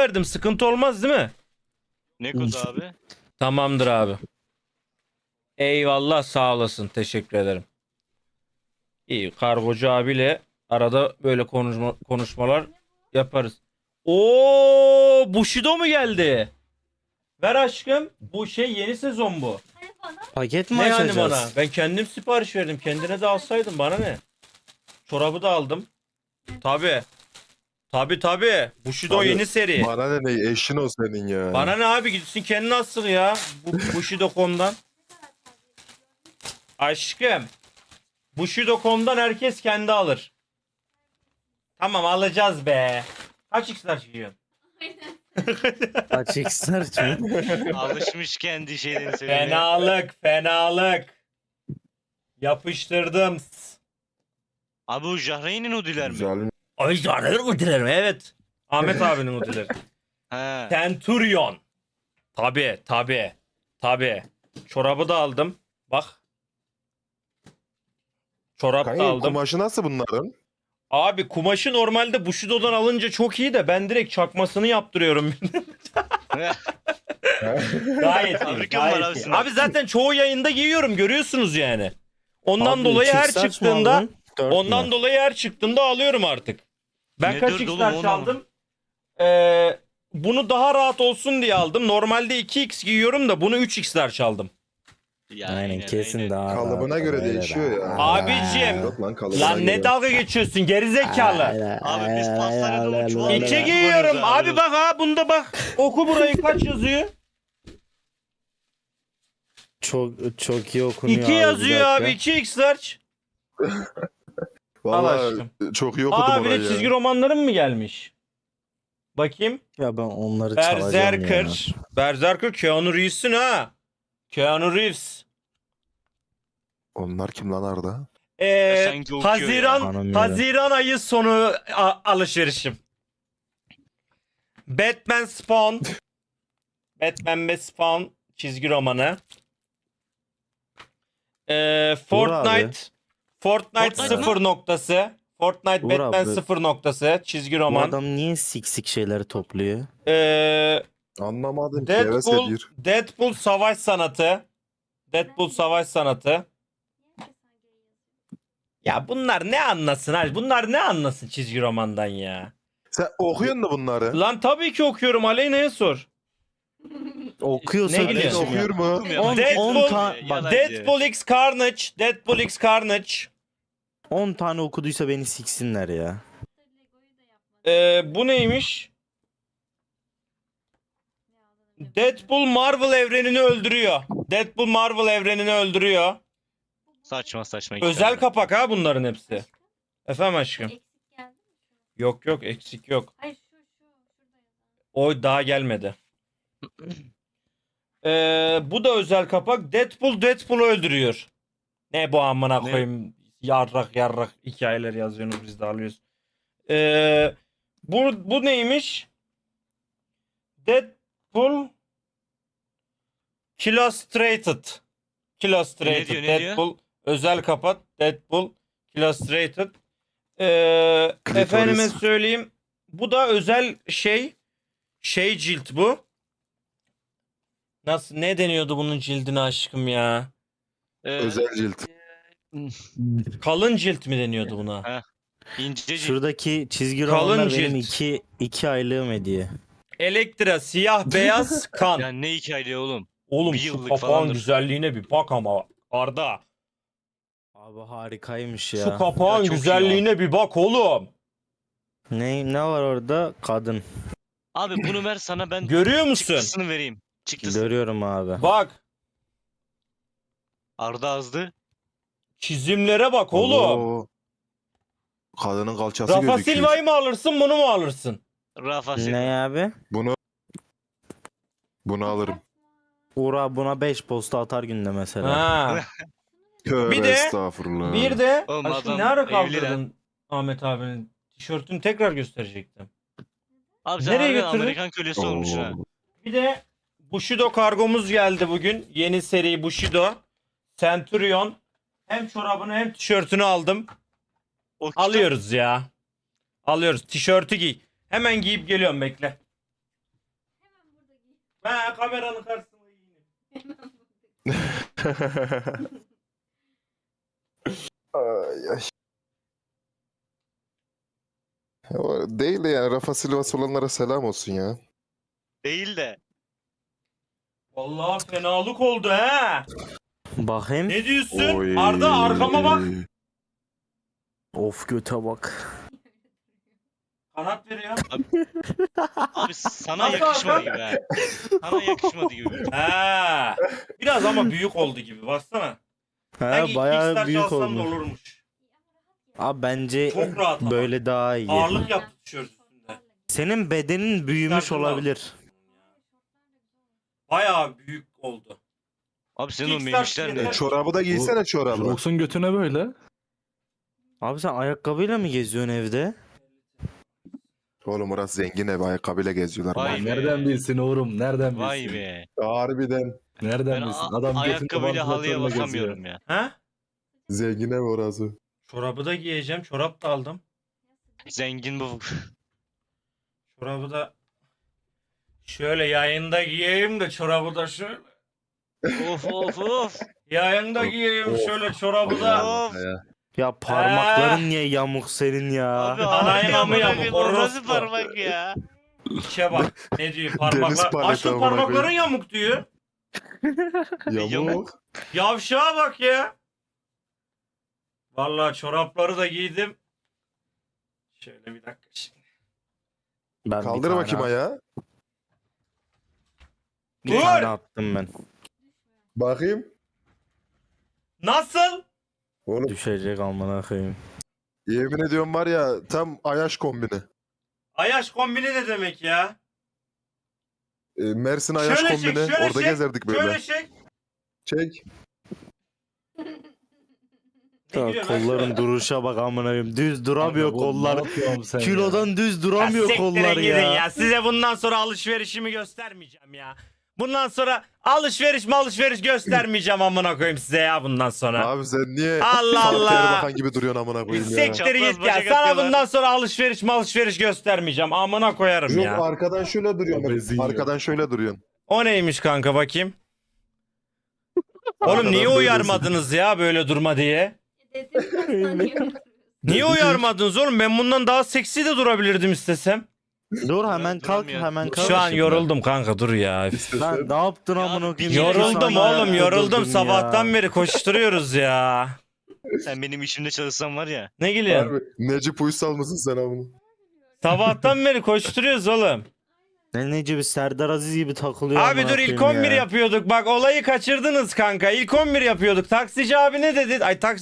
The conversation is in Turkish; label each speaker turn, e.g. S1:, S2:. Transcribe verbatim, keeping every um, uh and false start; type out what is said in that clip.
S1: verdim. Sıkıntı olmaz değil mi?
S2: Ne kodu abi?
S1: Tamamdır abi. Eyvallah, sağ olasın. Teşekkür ederim. İyi, kargocu abiyle arada böyle konuşma, konuşmalar yaparız. Oo, Bushido mu geldi? Ver aşkım. Bu şey yeni sezon bu.
S3: Paket mi
S1: Ne yani
S3: açacağız?
S1: bana? Ben kendim sipariş verdim. Kendine de alsaydın, bana ne? Çorabı da aldım. Tabi. Tabi tabi. Bushido
S4: Abi,
S1: yeni seri.
S4: Bana ne ne eşin o senin ya.
S1: Bana ne abi, gitsin kendini alsın ya. Bu Bushido nokta com'dan. Aşkım. Bushido nokta com'dan herkes kendi alır. Tamam, alacağız be. Kaç x'ler çıkıyorsun?
S3: Açık sarç mı?
S2: Alışmış kendi şeylerini söylemeye.
S1: Fenalık, fenalık. Yapıştırdım.
S2: Abi o Jahreyn'in Udiler mi?
S4: Güzel.
S1: Ay canım mı dilerim? Evet. Ahmet abinin o dilerim.
S2: He.
S1: Centurion. Tabi tabi. Tabi. Çorabı da aldım. Bak. Çorap da
S4: Kanka
S1: aldım.
S4: kumaşı nasıl bunların?
S1: Abi kumaşı normalde Bushido'dan alınca çok iyi de ben direkt çakmasını yaptırıyorum. Gayet iyi.
S2: Fabrika mı var
S1: Gayet
S2: abi
S1: iyi.
S2: senin?
S1: Abi zaten çoğu yayında giyiyorum, görüyorsunuz yani. Ondan
S3: Abi,
S1: dolayı
S3: çift
S1: her
S3: sarç mı
S1: çıktığında
S3: aldın? Dört
S1: ondan
S3: mü?
S1: dolayı her çıktığında alıyorum artık. Ben
S2: Ne
S1: kaç
S2: dördü oğlum,
S1: x'ler
S2: onu
S1: çaldım? Ee, bunu daha rahat olsun diye aldım. Normalde iki x giyiyorum da bunu üç x'ler çaldım.
S2: Ya,
S3: Aynen kesin
S2: aynen.
S3: daha.
S4: Kalıbına
S3: rahat,
S4: göre
S3: öyle
S4: değişiyor ya.
S1: Abicim.
S4: Yok lan kalıbına
S1: Lan ne
S4: göre.
S1: dalga geçiyorsun gerizekalı.
S2: Abi biz pastanede o çuval-
S1: İki
S2: Aynen.
S1: giyiyorum.
S2: Kullanıyoruz abi.
S1: Abi bak ha, bunda bak. Oku burayı, kaç yazıyor?
S3: Çok çok iyi okunuyor
S1: iki
S3: abi, bir
S1: yazıyor
S3: dakika.
S1: abi. iki x large. Al
S4: Vallahi
S1: aşkım.
S4: çok iyi okudum
S1: Aa, bir de
S4: orayı
S1: çizgi
S4: ya.
S1: romanlarım mı gelmiş? Bakayım.
S3: Ya ben onları çalacağım ya.
S1: Berserker. Berserker Keanu Reeves'in ha. Keanu Reeves.
S4: Onlar kim lan Arda?
S1: Ee,
S2: Sanki okuyor
S1: Haziran
S3: ya. Tanımıyorum.
S1: Haziran ayı sonu a- alışverişim. Batman Spawn. Batman ve Spawn çizgi romanı. Ee, Fortnite. Fortnite
S2: Fortnite
S1: sıfır noktası. Fortnite
S3: Uğur
S1: Batman
S3: abi.
S1: sıfır noktası çizgi
S3: Bu
S1: roman.
S3: adam niye siksik şeyleri topluyor?
S1: Ee,
S4: Anlamadım ki heves
S1: Deadpool,
S4: ediyor.
S1: Deadpool savaş sanatı. Deadpool savaş sanatı. Ya bunlar ne anlasın abi? Bunlar ne anlasın çizgi romandan ya?
S4: Sen okuyorsun da bunları.
S1: Lan tabii ki okuyorum. Aleyna'ya sor.
S3: Okuyorsa
S1: Ne gülüyorsun?
S3: geçim ya.
S4: Okuyor mu?
S2: Okumuyor.
S3: On-
S1: Deadpool-
S3: on ta- bak,
S2: Yalancı.
S1: Deadpool X Carnage. Deadpool X Carnage.
S3: on tane okuduysa beni siksinler ya.
S1: Ee, bu neymiş? Deadpool Marvel evrenini öldürüyor. Deadpool Marvel evrenini öldürüyor.
S2: Saçma saçma. iki
S1: Özel
S2: tane.
S1: kapak ha bunların hepsi. Efendim aşkım.
S5: Eksik geldi mi?
S1: Yok yok, eksik yok.
S5: Hayır şu şu şurada yazan.
S1: O daha gelmedi. Ee, bu da özel kapak. Deadpool Deadpool'u öldürüyor. Ne bu amına
S2: Ne?
S1: koyayım. Yarrak yarrak hikayeler yazıyorsunuz, biz de alıyoruz. Ee, bu, bu neymiş? Deadpool Illustrated. Illustrated.
S2: Ne diyor, ne diyor?
S1: Deadpool özel kapak. Deadpool Illustrated. Ee,
S4: Klitoris.
S1: efendime söyleyeyim. Bu da özel şey. Şey cilt bu. Nasıl, ne deniyordu bunun cildine aşkım ya?
S2: Ee,
S4: Özel cilt.
S1: Kalın cilt mi deniyordu buna?
S2: İnce cilt.
S3: Şuradaki çizgi
S1: Kalın
S3: romanlar
S1: cilt.
S3: benim iki, iki aylığım hediye.
S1: Elektra siyah beyaz kan.
S2: Ya ne hikaye oğlum?
S1: Oğlum
S2: bir
S1: şu
S2: yıllık
S1: kapağın
S2: falandır.
S1: güzelliğine bir bak ama Arda.
S3: Abi harikaymış ya.
S1: Şu kapağın
S2: Ya çok iyi
S1: güzelliğine bir bak oğlum.
S3: Ne ne var orada? Kadın.
S2: Abi bunu ver sana, ben
S1: Görüyor musun?
S2: çıktısını vereyim. Çıktısını.
S3: Görüyorum abi.
S1: Bak,
S2: Arda azdı.
S1: çizimlere bak oğlum.
S4: Oo. Kadının kalçası
S1: Rafa
S4: gözüküyor.
S1: Silva'yı mı alırsın, bunu mu alırsın?
S2: Rafa Silva.
S3: Ne abi?
S4: Bunu bunu alırım.
S3: Uğur abi buna beş posta atar günde mesela.
S1: Ha.
S4: Tövbe
S1: Bir de-
S4: estağfurullah.
S1: Bir de
S2: Oğlum
S1: aşkım
S2: adam
S1: ne ara
S2: evli
S1: kaldırdın Ahmet abinin tişörtünü, tekrar gösterecektim.
S2: Abi sen
S1: Nereye
S2: harbiden
S1: götürdün?
S2: Amerikan kölesi olmuşsun ha.
S4: Oo.
S1: Bir de Bushido kargomuz geldi bugün. Yeni seri Bushido. Centurion. Hem çorabını hem tişörtünü aldım.
S2: O kitap-
S1: Alıyoruz ya. Alıyoruz. Tişörtü giy. Hemen giyip geliyorum, bekle. kameranın karşısına giyineyim.
S4: Ay, ay. O değil de yani Rafa Silva'sı olanlara selam olsun ya.
S2: Değil de.
S1: Vallahi fenalık oldu he.
S3: Bakayım.
S1: Ne diyorsun?
S4: Oy.
S1: Arda arkama bak.
S3: Of göte bak.
S1: Kanat veriyor.
S2: Abi sana
S1: Nasıl
S2: yakışmadı
S1: Hakan?
S2: gibi ha. Sana yakışmadı gibi.
S1: He. Biraz ama büyük oldu gibi. Baksana.
S3: Ha
S1: Belki
S3: bayağı
S1: Kickstarter
S3: büyük
S1: alsam da
S3: olmuş.
S1: olurmuş.
S3: Abi bence
S1: Çok rahat ama.
S3: böyle daha iyi.
S1: Ağırlık yaptı tişört üstünde.
S3: Senin bedenin büyümüş
S1: Kickstarter'la
S3: olabilir.
S1: aldım. Bayağı büyük oldu.
S2: Abi senin o
S1: Kickstarter
S2: memişler
S1: yeter.
S2: ne?
S4: E, çorabı da giysene çorabı.
S6: Rox'un götüne böyle.
S3: Abi sen ayakkabıyla mı geziyorsun evde?
S4: Oğlum orası zengin ev, ayakkabıyla geziyorlar.
S2: Vay
S4: Vay
S2: be.
S6: Nereden bilsin oğlum? Nereden bilsin?
S2: Vay be.
S4: Harbiden.
S6: Nereden
S2: Ben
S6: bilsin?
S2: a-
S6: Adam götünde
S2: ayakkabıyla halıya
S6: vantilatörle
S2: basamıyorum ya.
S1: He?
S4: Zengin ev orası.
S1: Çorabı da giyeceğim. Çorap da aldım.
S2: Zengin bu.
S1: Çorabı da şöyle yayında giyeyim de çorabı da şöyle.
S2: Of of of.
S1: Yayında giyeyim
S4: Of.
S1: şöyle çorabı da.
S2: Of.
S3: Ya parmakların niye yamuk senin ya?
S2: Abi
S1: Anayın amı
S2: amına
S1: yamuk,
S2: koyayım, o nasıl
S1: orospu.
S2: parmak ya?
S1: İşe bak. Ne diyor
S4: Deniz
S1: parmaklar.
S4: paleti
S1: Aşkım
S4: amına
S1: parmakların
S4: koyayım.
S1: yamuk diyor.
S4: Yamuk.
S1: Yavşağa bak ya. Vallahi çorapları da giydim. Şöyle bir dakika şimdi.
S3: Ben bir
S4: Kaldır
S3: tane
S4: bakayım
S3: at-
S4: ayağı.
S3: Bir
S1: Dur!
S3: tane attım ben.
S4: Bakayım.
S1: Nasıl?
S4: Oğlum
S3: Düşecek amına koyayım.
S4: yemin ediyorum var ya tam Ayaş kombini.
S1: Ayaş kombini ne demek ya?
S4: E, Mersin Ayaş
S1: Şöyle çek,
S4: kombini.
S1: şöyle
S4: Orada
S1: çek,
S4: gezerdik böyle.
S1: Şöyle çek.
S4: Çek.
S1: Ne
S3: Ya,
S1: gülüyorsun lan?
S3: kolların duruşa bak amına koyayım. Düz duramıyor
S6: Abi bu
S3: kollar.
S6: ne yapıyorsun sen ya?
S3: Kilodan düz
S1: Ya
S3: duramıyor
S1: siktirin
S3: kollar
S1: gidin
S3: ya.
S1: ya. Size bundan sonra alışverişimi göstermeyeceğim ya. Bundan sonra alışveriş mi alışveriş göstermeyeceğim amına koyayım size ya bundan sonra.
S4: Abi sen niye
S1: Allah
S4: Fatih
S1: Allah.
S4: Erbakan gibi duruyorsun amına koyayım ya.
S1: Siktir
S2: Çapraz
S1: git ya.
S2: bacak
S1: Sana
S2: atıyorlar.
S1: bundan sonra alışveriş mi alışveriş göstermeyeceğim. Amına koyarım
S4: Yok
S1: ya.
S4: arkadan şöyle duruyorsun.
S6: Obezin
S4: Arkadan şöyle duruyorsun.
S1: O neymiş kanka bakayım. Oğlum
S4: Arkadan
S1: niye
S4: böylesin.
S1: uyarmadınız ya böyle durma diye?
S5: Dedim ya.
S1: Niye uyarmadınız oğlum? Ben bundan daha seksi de durabilirdim istesem.
S3: Dur hemen kalk
S2: Duramıyor.
S3: hemen kalk.
S1: Şu an
S3: şimdi.
S1: yoruldum kanka dur ya.
S3: Lan ne yaptın
S2: Ya
S3: amına
S2: bir
S3: koyayım?
S2: kere-
S3: İki
S1: Yoruldum
S3: saniye
S1: oğlum
S3: ayakta
S1: yoruldum.
S3: durdun
S1: Sabahtan
S3: ya.
S1: beri koşturuyoruz ya.
S2: Sen benim işimde çalışsan var ya.
S1: Ne gülüyorsun?
S4: Harbi, Necip Uysal mısın sen amına?
S1: Sabahtan beri koşturuyoruz oğlum.
S3: Ne nece bir Serdar Aziz gibi takılıyor
S1: Abi
S3: amına
S1: dur ilk
S3: koyayım
S1: on bir
S3: ya.
S1: yapıyorduk. Bak olayı kaçırdınız kanka. İlk on bir yapıyorduk. Taksici abi ne dedi? Ay taksi